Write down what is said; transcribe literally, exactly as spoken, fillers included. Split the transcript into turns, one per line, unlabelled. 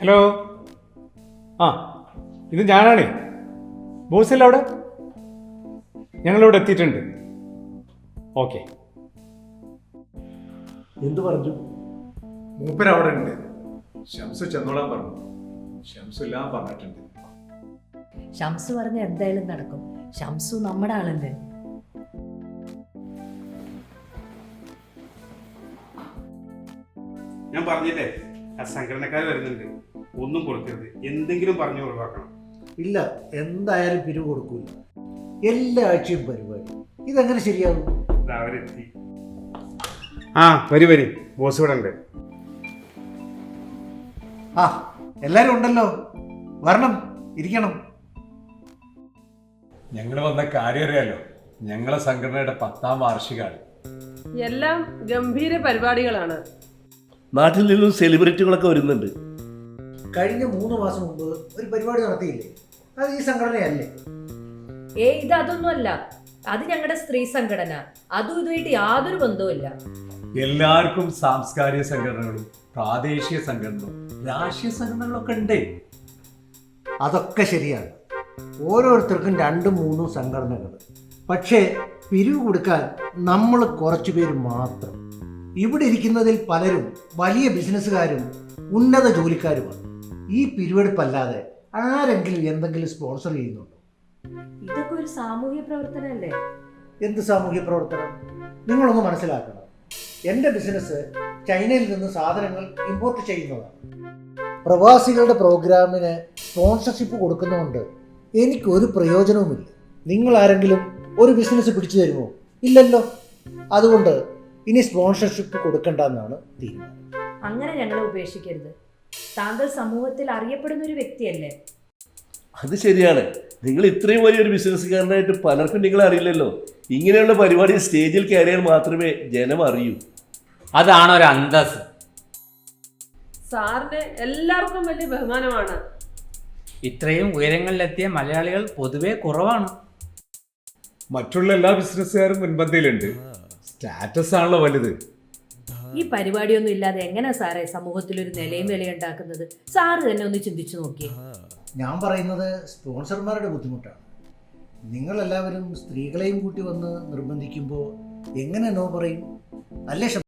Hello. ആ ഇത് ഞാനാണേ. ബോസല്ല അവിടെ? ഞങ്ങളിവിടെ എത്തിയിട്ടുണ്ട്. ഓക്കെ.
എന്തു പറഞ്ഞു?
മൂപ്പര് അവിടെ ഉണ്ട്. ഷംസു ചെന്നോളാൻ പറഞ്ഞു. ഷംസു എല്ലാം പറഞ്ഞിട്ടുണ്ട്.
ഷംസു പറഞ്ഞ എന്തായാലും നടക്കും. ഷംസു നമ്മുടെ ആളല്ലേ.
ഞാൻ പറഞ്ഞില്ലേ, ആ സംഘടനക്കാർ വരുന്നുണ്ട്. ഒന്നും കൊടുക്കരുത്, എന്തെങ്കിലും പറഞ്ഞു ഒഴിവാക്കണം.
ഇല്ല, എന്തായാലും പിരിവ് കൊടുക്കൂല. എല്ലാ ആഴ്ചയും പരിപാടി. ഇതെങ്ങനെ ശരിയാകും?
അവരെത്തി. ആ വരി വരി, ബോസ് ഇവിടെ ഉണ്ട്.
ആ എല്ലാരും ഉണ്ടല്ലോ, വരണം, ഇരിക്കണം.
ഞങ്ങൾ വന്ന കാര്യം അറിയാലോ. ഞങ്ങളെ സംഘടനയുടെ പത്താം വാർഷികമാണ്.
എല്ലാം ഗംഭീര പരിപാടികളാണ്.
നാട്ടിൽ നിന്നും സെലിബ്രിറ്റികളൊക്കെ വരുന്നുണ്ട്.
കഴിഞ്ഞ മൂന്ന് മാസം മുമ്പ് ഒരു പരിപാടി നടത്തിയില്ലേ? അത് ഈ സംഘടനയല്ലേ?
ഏ ഇത് അതൊന്നുമല്ല. അത് ഞങ്ങളുടെ സ്ത്രീ സംഘടന. അതും ഇതുമായിട്ട് യാതൊരു ബന്ധവുമില്ല.
എല്ലാവർക്കും സാംസ്കാരിക സംഘടനകളും പ്രാദേശിക സംഘടനകളും രാഷ്ട്രീയ സംഘടനകളൊക്കെ ഉണ്ട്.
അതൊക്കെ ശരിയാണ്. ഓരോരുത്തർക്കും രണ്ടും മൂന്നും സംഘടനകൾ. പക്ഷേ പിരിവ് കൊടുക്കാൻ നമ്മൾ കുറച്ചു പേര് മാത്രം. ഇവിടെ ഇരിക്കുന്നതിൽ പലരും വലിയ ബിസിനസ്സുകാരും ഉന്നത ജോലിക്കാരുമാണ്. ഈ പിരിവെടുപ്പല്ലാതെ ആരെങ്കിലും എന്തെങ്കിലും സ്പോൺസർ ചെയ്യുന്നുണ്ടോ?
ഇതൊക്കെ ഒരു സാമൂഹ്യ പ്രവർത്തനമല്ലേ?
എന്ത് സാമൂഹ്യ പ്രവർത്തനം? നിങ്ങളൊന്ന് മനസ്സിലാക്കണം. എൻ്റെ ബിസിനസ് ചൈനയിൽ നിന്ന് സാധനങ്ങൾ ഇമ്പോർട്ട് ചെയ്യുന്നതാണ്. പ്രവാസികളുടെ പ്രോഗ്രാമിന് സ്പോൺസർഷിപ്പ് കൊടുക്കുന്നതുകൊണ്ട് എനിക്കൊരു പ്രയോജനവുമില്ല. നിങ്ങൾ ആരെങ്കിലും ഒരു ബിസിനസ് പിടിച്ചു തരുമോ? ഇല്ലല്ലോ. അതുകൊണ്ട് ഇനി സ്പോൺസർഷിപ്പ് കൊടുക്കണ്ടെന്നാണ് തീരുമാനം.
അങ്ങനെ ഞങ്ങളെ ഉപേക്ഷിക്കരുത്. താങ്കൾ സമൂഹത്തിൽ അറിയപ്പെടുന്ന ഒരു വ്യക്തിയല്ലേ?
അത് ശരിയാണ്. നിങ്ങൾ ഇത്രയും വലിയൊരു ബിസിനസ്സുകാരനായിട്ട് പലർക്കും നിങ്ങളെ അറിയില്ലല്ലോ. ഇങ്ങനെയുള്ള പരിപാടി സ്റ്റേജിൽ കയറിയാൽ മാത്രമേ ജനം അറിയൂ.
അതാണ് ഒരു അന്തസ്.
സാറിന് എല്ലാവർക്കും വലിയ ബഹുമാനമാണ്.
ഇത്രയും ഉയരങ്ങളിലെത്തിയ മലയാളികൾ പൊതുവെ കുറവാണ്.
മറ്റുള്ള എല്ലാ ബിസിനസ്സുകാരും മുൻപന്തിയിലുണ്ട്. സ്റ്റാറ്റസ് ആണല്ലോ വലുത്.
ഈ പരിപാടിയൊന്നും ഇല്ലാതെ എങ്ങനെ സാറേ സമൂഹത്തിൽ ഒരു നിലയും വിലയുണ്ടാക്കുന്നത്? സാറ് തന്നെ ഒന്ന് ചിന്തിച്ചു നോക്കിയേ.
ഞാൻ പറയുന്നത് സ്പോൺസർമാരുടെ ബുദ്ധിമുട്ടാണ്. നിങ്ങളെല്ലാവരും സ്ത്രീകളെയും കൂട്ടി വന്ന് നിർബന്ധിക്കുമ്പോൾ എങ്ങനെ നോ പറയും? അല്ലേ?